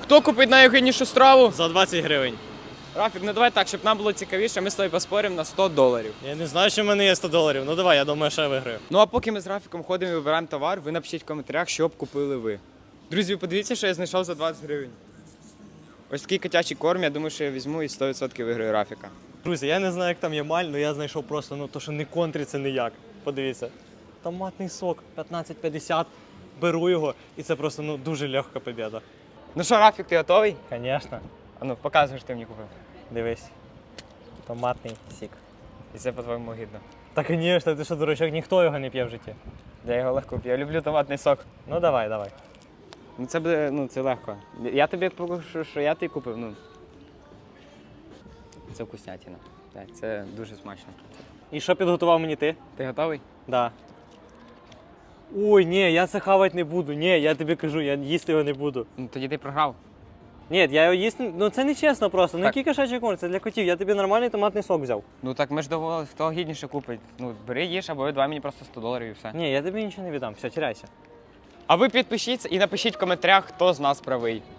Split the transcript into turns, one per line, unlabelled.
Хто купить найогиднішу страву?
За 20 гривень.
Рафік, ну давай так, щоб нам було цікавіше, ми з тобою поспоримо на $100.
Я не знаю, що в мене є $100. Ну давай, я думаю, що я виграю.
Ну а поки ми з Рафіком ходимо і вибираємо товар, ви напишіть в коментарях, що б купили ви. Друзі, ви подивіться, що я знайшов за 20 гривень. Ось такий котячий корм, я думаю, що я візьму і 100% виграю Рафіка.
Друзі, я не знаю, як там є маль, але я знайшов просто, ну то, що не контриться ніяк. Подивіться. Томатний сок 15,50. Беру його, і це просто, ну, дуже легка побіда.
Ну що, Рафік, ти готовий?
Звісно.
А ну, показуй, що ти мені купив.
Дивись. Томатний сік.
І це по-твоєму гідно.
Та, звісно, ти що, дурачок, ніхто його не п'є в житті.
Я його легко п'ю, я люблю томатний сок.
Ну давай, давай.
Ну це буде, ну це легко. Я тобі покажу, що я тобі купив, ну. Це вкуснятина. Так, це дуже смачно.
І що підготував мені ти?
Ти готовий?
Да. Ой, ні, я це хавати не буду. Ні, я тобі кажу, я їсти його не буду.
Ну тоді ти програв.
Ні, я його їсти, ну це не чесно просто. Ну
Так.
який кошачий корм, це для котів. Я тобі нормальний томатний сок взяв.
Ну так ми ж доволі, хто гідніше купить. Ну бери їж, або давай мені просто $100 і все.
Ні, я тобі нічого не віддам. Все, тіряйся.
А ви підпишіться і напишіть в коментарях, хто з нас правий.